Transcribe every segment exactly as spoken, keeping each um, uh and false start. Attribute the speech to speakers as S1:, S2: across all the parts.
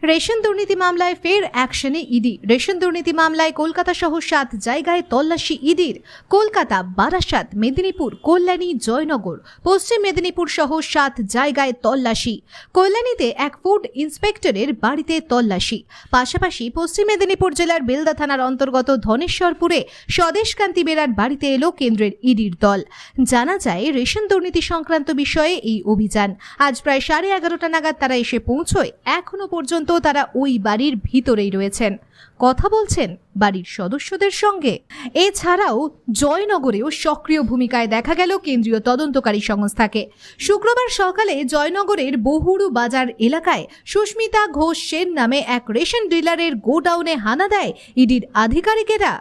S1: Ration দুর্নীতি মামলায় ফের অ্যাকশনে ইডি। রেশন দুর্নীতি মামলায় কলকাতা সহ সাত জায়গায় তল্লাশি ইডির। কলকাতা, বারাসাত, মেদিনীপুর, কল্যাণী, জয়নগর, পশ্চিম মেদিনীপুর সহ সাত জায়গায় তল্লাশি। কল্যাণীতে এক ফুড ইন্সপেক্টরের বাড়িতে তল্লাশি। পাশাপাশি পশ্চিম মেদিনীপুর জেলার বেলদা থানার অন্তর্গত ধনেশ্বরপুরে স্বদেশকান্তি বেরার বাড়িতে এলো কেন্দ্রের ইডির দল। জানা যায়, রেশন দুর্নীতি সংক্রান্ত বিষয়ে এই অভিযান আজ প্রায় সাড়ে এগারোটা নাগাদ তারা এসে পৌঁছয়। এখনো পর্যন্ত তারা ওই বাড়ির ভিতরেই রয়েছেন, কথা বলছেন বাড়ির সদস্যদের সঙ্গে। এছাড়াও জয়নগরেও সক্রিয় ভূমিকায় দেখা গেল কেন্দ্রীয় তদন্তকারী সংস্থাকে। শুক্রবার সকালে জয়নগরের বহুরু বাজার এলাকায় সুস্মিতা ঘোষ সেন নামে এক রেশন ডিলারের গোডাউনে হানা দেয় ইডির আধিকারিকেরা।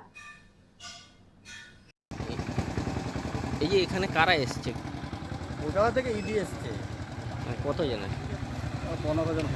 S2: এই যে এখানে কারা এসছে?
S3: কলকাতা থেকে ইডি এসছে।
S2: কত জন?
S3: পনেরো জন।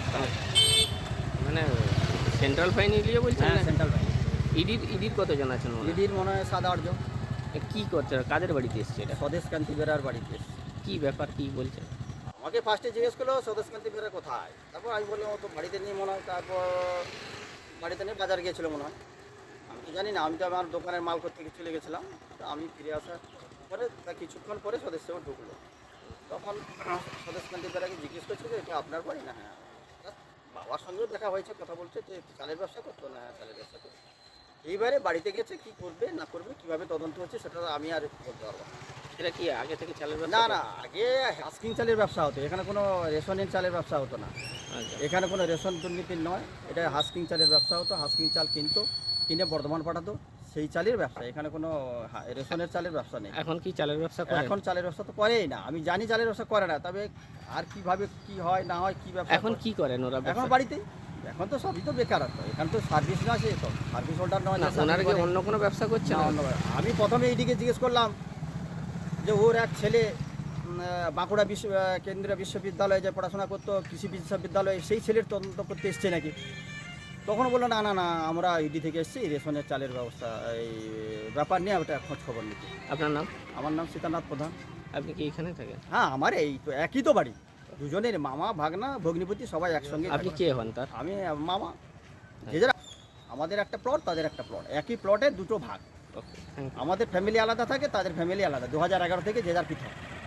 S2: মানে সেন্ট্রাল ফাইন ইডিও বলছেন?
S3: হ্যাঁ, সেন্ট্রাল ব্যাংক।
S2: ইডির ইডির কতজন আছেন?
S3: ইডির মনে হয় সাত আট জন।
S2: কি করছে? কাদের বাড়িতে এসছে এটা?
S3: স্বদেশকান্তি বেরার বাড়িতে এসছে।
S2: কি ব্যাপার, কি বলছেন?
S3: আমাকে ফার্স্টে জিজ্ঞেস করলো স্বদেশকান্তি বেরা কোথায়, তারপর আমি বললাম ও তো বাড়িতে নিয়ে মনে হয়, তারপর বাড়িতে নিয়ে বাজার গিয়েছিলো মনে হয়, আমি তো জানি না। আমি তো আমার দোকানের মাল করতে চলে গেছিলাম। তো আমি ফিরে আসার পরে তা কিছুক্ষণ পরে সদস্য ঢুকলো। তখন স্বদেশকান্তি বেরাকে জিজ্ঞেস করছে যে এটা আপনার বাড়ি না? হ্যাঁ। বাবার সঙ্গেও দেখা হয়েছে, কথা বলছে যে চালের ব্যবসা করতো না? হ্যাঁ, চালের ব্যবসা করতো। এইবারে বাড়িতে গেছে, কি করবে না করবে, কিভাবে তদন্ত হচ্ছে সেটা আমি আর বলতে পারবো না।
S2: এটা কি আগে থেকে চালের ব্যবসা?
S3: না না, আগে হাস্কিং চালের ব্যবসা হতো, এখানে কোনো রেশনের চালের ব্যবসা হতো না।
S2: আচ্ছা।
S3: এখানে কোনো রেশন দুর্নীতির নয়, এটা হাস্কিং চালের ব্যবসা হতো। হাস্কিং চাল কিনতো, কিনে বর্ধমান পাঠাতো, সেই চালের ব্যবসা। এখানে কোনো রেশনের চালের ব্যবসা নেই।
S2: এখন কি চালের ব্যবসা করে?
S3: এখন চালের ব্যবসা তো করেই না, আমি জানি চালের ব্যবসা করে না। তবে আর কিভাবে কি হয় না হয়, কি ব্যবসা
S2: এখন কি করেন ওরা?
S3: এখন বাড়িতেই, এখন তো সবই তো বেকারত্ব, এখানে তো সার্ভিস না, সে তো সার্ভিস হোল্ডার নয়।
S2: না, ওনারা কি অন্য কোনো ব্যবসা করছে না?
S3: আমি প্রথমে এইদিকে জিজ্ঞেস করলাম যে ওর এক ছেলে বাঁকুড়া বিশ্ব কেন্দ্রীয় বিশ্ববিদ্যালয়ে যে পড়াশোনা করতো, কৃষি বিশ্ববিদ্যালয়ে, সেই ছেলের তদন্ত করতে এসছে নাকি। তখন বললো না না না, আমরা ইডি থেকে এসেছি, রেশনের চালের ব্যবস্থা এই ব্যাপার নিয়ে ওটা খোঁজ খবর নিচ্ছি।
S2: আপনার নাম?
S3: আমার নাম সীতানাথ প্রধান।
S2: আপনি কি এখানে থাকেন?
S3: হ্যাঁ, আমার এই তো একই তো বাড়ি, দুজনের মামা ভাগনা ভগ্নিপতি সবাই একসঙ্গে।
S2: আপনি কে হন তার?
S3: আমি মামা। যে যারা, আমাদের একটা প্লট, তাদের একটা প্লট, একই প্লটে দুটো ভাগ।
S2: Okay, thank you.
S3: আমাদের ফ্যামিলি আলাদা থাকে, তাদের ফ্যামিলি আলাদা। দু হাজার এগারো থেকে যে যার পৃথক।